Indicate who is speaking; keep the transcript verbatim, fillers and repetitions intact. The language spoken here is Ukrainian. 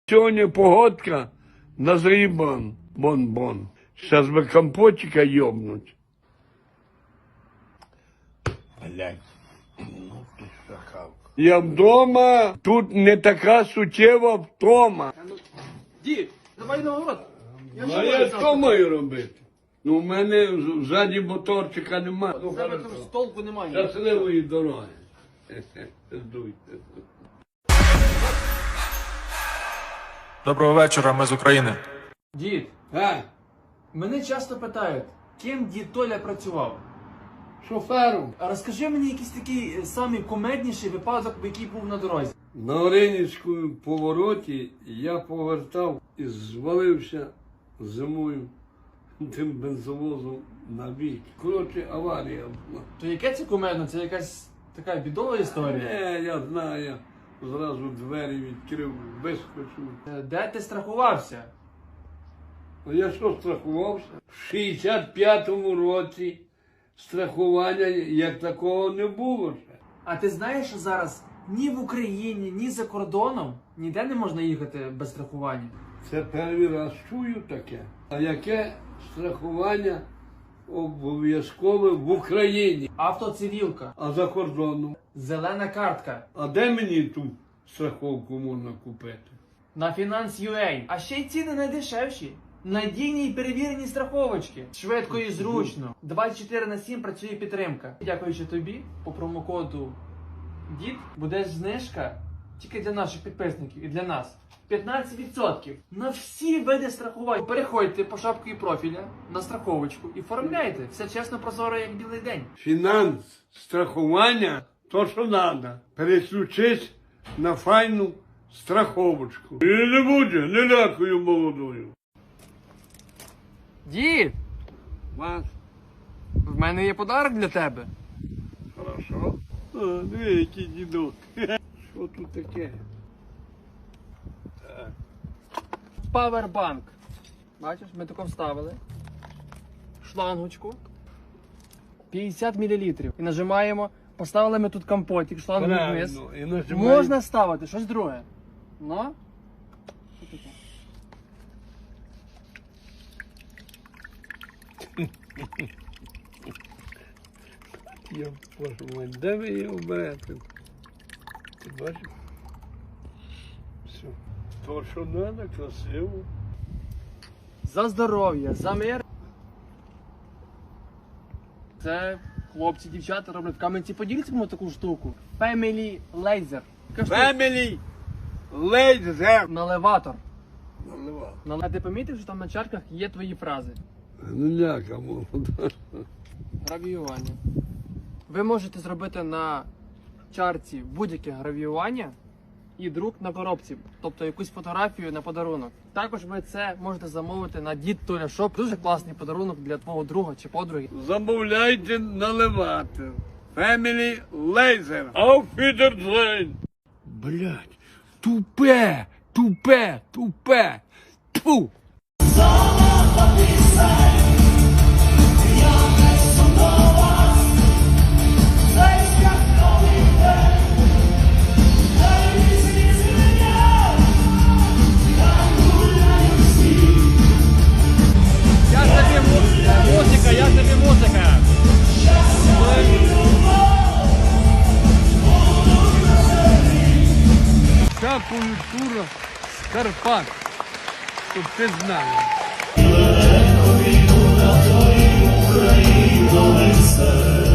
Speaker 1: Сьогодні погодка на зрібан, бон-бон. Зараз би компотика йобнуть. Блядь, ну ти шакал. Я вдома, тут не така суттєва втома.
Speaker 2: Дід, давай на город. Я
Speaker 1: А я що маю робити? Ну, в мене ззаді моторчика немає. Ну,
Speaker 2: тебе там столку немає.
Speaker 1: щасливої дороги. Здуйте.
Speaker 3: Доброго вечора, ми з України.
Speaker 2: Дід,
Speaker 1: А,
Speaker 2: мене часто питають, ким дід Толя працював.
Speaker 1: шофером.
Speaker 2: А розкажи мені якийсь такий е, самий кумедніший випадок, який був на дорозі.
Speaker 1: На Оринівському повороті я повертав і звалився зимою тим бензовозом на бік. Коротше, аварія була.
Speaker 2: То яке це кумедно? Це якась така бідова історія.
Speaker 1: Не, я знаю, я зразу двері відкрив, вискочив.
Speaker 2: Е, Де ти страхувався?
Speaker 1: А я що страхувався? В шістдесят п'ятому році страхування як такого не було ще.
Speaker 2: А ти знаєш, що зараз ні в Україні, ні за кордоном ніде не можна їхати без страхування?
Speaker 1: Це перший раз чую таке. А яке страхування обов'язкове в Україні?
Speaker 2: Автоцивілка,
Speaker 1: А за кордоном?
Speaker 2: зелена картка,
Speaker 1: А де мені ту страховку можна купити?
Speaker 2: на Finance.ua. А ще й ціни найдешевші. Надійні і перевірені страховочки. Швидко і зручно. двадцять чотири на сім працює підтримка. Дякуючи тобі, по промокоду ДІД буде знижка тільки для наших підписників і для нас. п'ятнадцять відсотків на всі види страхувань. Переходьте по шапці профіля на страховочку і оформляйте. Все чесно, прозоро, як білий день.
Speaker 1: Фінанс, страхування, то що треба. Переключись на файну страховочку. І не буде, не лякую молодою.
Speaker 2: Дід,
Speaker 1: Вас?
Speaker 2: в мене є подарок для тебе.
Speaker 1: Хорошо. А, диви, який дідок. Що тут таке? Так.
Speaker 2: Павербанк. Бачиш, ми тако вставили. Шлангочку. п'ятдесят мілілітрів. І нажимаємо. Поставили ми тут компотик, шлангу вниз.
Speaker 1: Правильно. І нажимаємо.
Speaker 2: Можна ставити щось друге. Ну? Що таке?
Speaker 1: Я боже мой, де ви його берете? Ти бачиш? Все. То, що треба, красиво.
Speaker 2: За здоров'я, за мир. Це хлопці, дівчата роблять в Кам'янці-Подільському таку штуку. Family Laser. Така штука.
Speaker 1: Family Laser.
Speaker 2: Наливатор.
Speaker 1: Наливав.
Speaker 2: Нале- А ти помітив, що там на чарках є твої фрази?
Speaker 1: Ну ляка молода.
Speaker 2: Гравіювання. Ви можете зробити на чарці будь-яке гравіювання і друк на коробці, тобто якусь фотографію на подарунок. Також ви це можете замовити на Дід Толя Шоп. Дуже класний подарунок для твого друга чи подруги.
Speaker 1: Замовляйте наливати. Family Laser. Auf Wiedersehen. Блять, тупе, тупе, тупе. Тьфу.
Speaker 2: Я тобі музика, я тобі музика.
Speaker 1: Ця культура з Карпат. Щоб ти знав.
Speaker 4: Україно, Україно,